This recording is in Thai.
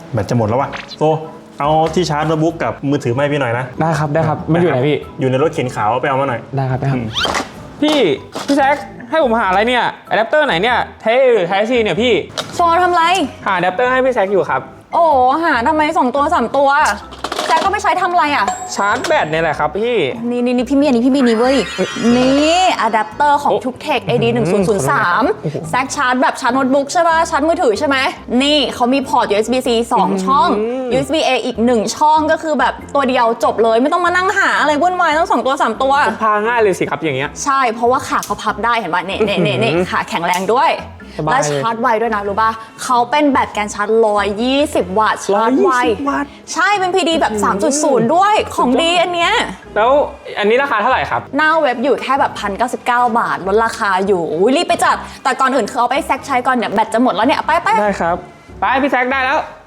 แบตจะหมดแล้วว่ะโซเอาที่ชาร์จโน้ตบุ๊กกับมือถือมาให้พี่หน่อยนะได้ครับมันอยู่ไหนพี่อยู่ในรถเข็นขาวไปเอามาหน่อยได้ครับพี่แซคให้ผมหาอะไรเนี่ยอะแดปเตอร์ไหนเนี่ยไทป์ซีเนี่ยพี่โซทำไรหาอะแดปเตอร์ให้พี่แซคอยู่ครับโอ้หาทำไม2 ตัว 3 ตัวแจ็คก็ไม่ใช้ทำอะไรอ่ะชาร์จแบตเนี่ยแหละครับพี่นี่พี่มีอันนี้พี่มีนี่เว้ยนี่อะแดปเตอร์ของ Tuktech AD1003แซคชาร์จแบบชาร์จโน้ตบุ๊กใช่ป่ะชาร์จมือถือใช่ไหมนี่เขามีพอร์ต USB-C 2 ช่อง USB-A อีก1ช่องก็คือแบบตัวเดียวจบเลยไม่ต้องมานั่งหาอะไรวุ่นวายต้อง2 ตัว 3 ตัวพาง่ายเลยสิครับอย่างเงี้ยใช่เพราะว่าขาเขาพับได้เห็นป่ะเน่ขาแข็งแรงด้วยและชาร์จไวด้วยนะรู้ป่ะเขาเป็นแบตการชาร์จ120 วัตต์ชาร์จไวใช่เป็น PD แบบ 3.0 ด้วยของดีอันเนี้ยแล้วอันนี้ราคาเท่าไหร่ครับหน้าเว็บอยู่แค่แบบ1,099 บาทลดราคาอยู่รีบไปจัดแต่ก่อนอื่นคือเอาไปแซคใช้ก่อนเนี่ยแบตจะหมดแล้วเนี่ยไปได้ครับไปพี่แซคได้แล้ว